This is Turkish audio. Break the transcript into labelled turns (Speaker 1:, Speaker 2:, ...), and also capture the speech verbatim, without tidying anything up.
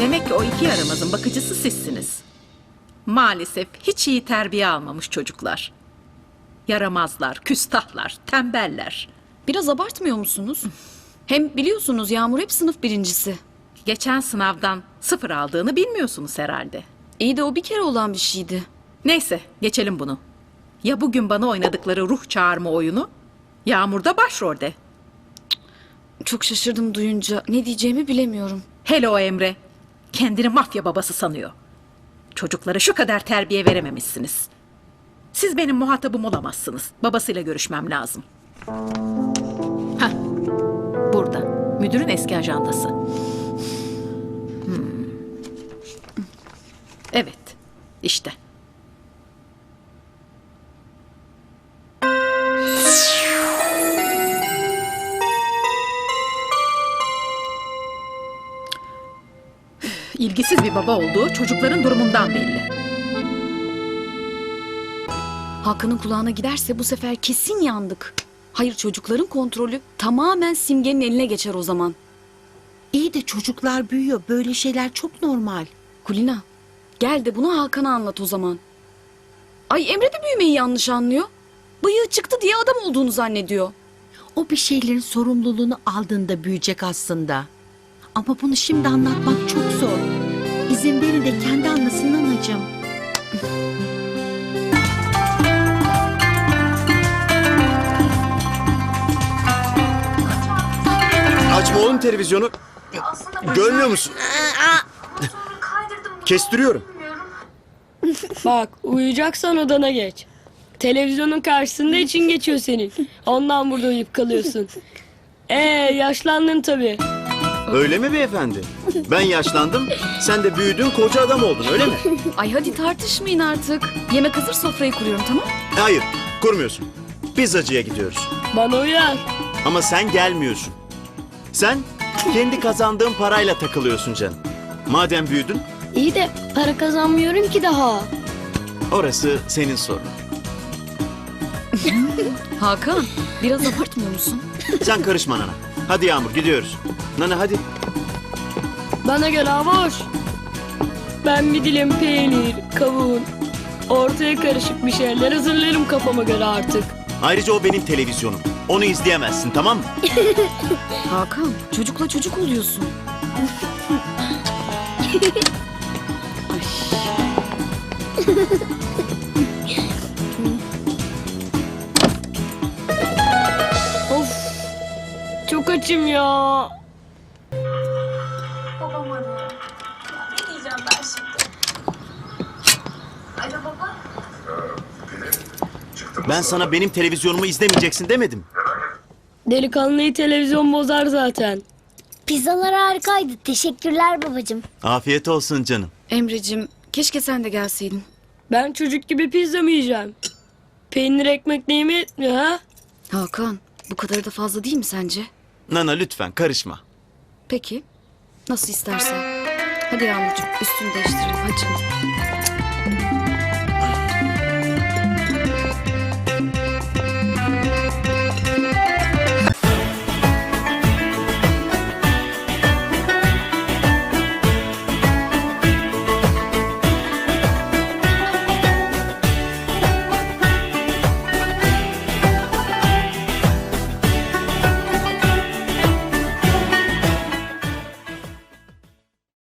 Speaker 1: Demek ki o iki yaramazın bakıcısı sizsiniz. Maalesef hiç iyi terbiye almamış çocuklar. Yaramazlar, küstahlar, tembeller.
Speaker 2: Biraz abartmıyor musunuz? Hem biliyorsunuz Yağmur hep sınıf birincisi.
Speaker 1: Geçen sınavdan sıfır aldığını bilmiyorsunuz herhalde.
Speaker 2: İyi de o bir kere olan bir şeydi.
Speaker 1: Neyse, geçelim bunu. Ya bugün bana oynadıkları ruh çağırma oyunu? Yağmur da başrolde.
Speaker 2: Çok şaşırdım duyunca. Ne diyeceğimi bilemiyorum.
Speaker 1: Hele o Emre. Kendini mafya babası sanıyor. Çocuklara şu kadar terbiye verememişsiniz. Siz benim muhatabım olamazsınız. Babasıyla görüşmem lazım. Hah, burada. Müdürün eski ajandası. Hmm. Evet, işte. İlgisiz bir baba olduğu çocukların durumundan belli.
Speaker 2: Hakan'ın kulağına giderse bu sefer kesin yandık. Hayır, çocukların kontrolü tamamen Simge'nin eline geçer o zaman.
Speaker 3: İyi de çocuklar büyüyor. Böyle şeyler çok normal.
Speaker 2: Kulina, gel de bunu Hakan'a anlat o zaman. Ay, Emre de büyümeyi yanlış anlıyor. Bıyığı çıktı diye adam olduğunu zannediyor.
Speaker 3: O bir şeylerin sorumluluğunu aldığında büyüyecek aslında. Ama bunu şimdi anlatmak çok zor. İzin verin de kendi anlasın anacığım.
Speaker 4: Açma oğlum televizyonu. Görmüyor musun? Kestiriyorum.
Speaker 5: Bak, uyuyacaksan odana geç. Televizyonun karşısında için geçiyor senin. Ondan burada uyuyup kalıyorsun. Ee, yaşlandın tabii.
Speaker 4: Öyle mi beyefendi? Ben yaşlandım, sen de büyüdün, koca adam oldun, öyle mi?
Speaker 2: Ay hadi tartışmayın artık. Yemek hazır, sofrayı kuruyorum, tamam?
Speaker 4: Hayır, kurmuyorsun. Pizzacıya gidiyoruz.
Speaker 5: Bana uyar.
Speaker 4: Ama sen gelmiyorsun. Sen kendi kazandığın parayla takılıyorsun canım. Madem büyüdün,
Speaker 5: İyi de para kazanmıyorum ki daha.
Speaker 4: orası senin sorunun.
Speaker 2: Hakan, biraz abartmıyor musun?
Speaker 4: Sen karışma Nana. Hadi Yağmur, gidiyoruz. Nana hadi.
Speaker 5: Bana göre boş. Ben bir dilim peynir, kavun, ortaya karışık bir şeyler hazırlarım kafama göre artık.
Speaker 4: Ayrıca o benim televizyonum. Onu izleyemezsin, tamam mı?
Speaker 2: Hakan, çocukla çocuk oluyorsun. Ay.
Speaker 5: Of, çok açım ya.
Speaker 6: Babam arıyor. Ya ne diyeceğim ben şimdi? Alo baba.
Speaker 4: Ben sana benim televizyonumu izlemeyeceksin demedim.
Speaker 5: Delikanlıyı televizyon bozar zaten.
Speaker 7: Pizzalar harikaydı. Teşekkürler babacığım.
Speaker 4: Afiyet olsun canım.
Speaker 2: Emrecim, keşke sen de gelseydin.
Speaker 5: Ben çocuk gibi pizza mı yiyeceğim? Peynir ekmek neyime etmiyor ha?
Speaker 2: Hakan, bu kadarı da fazla değil mi sence?
Speaker 4: Nana lütfen karışma.
Speaker 2: Peki, nasıl istersen. Hadi Yağmurcuğum, üstünü değiştirelim, hadi.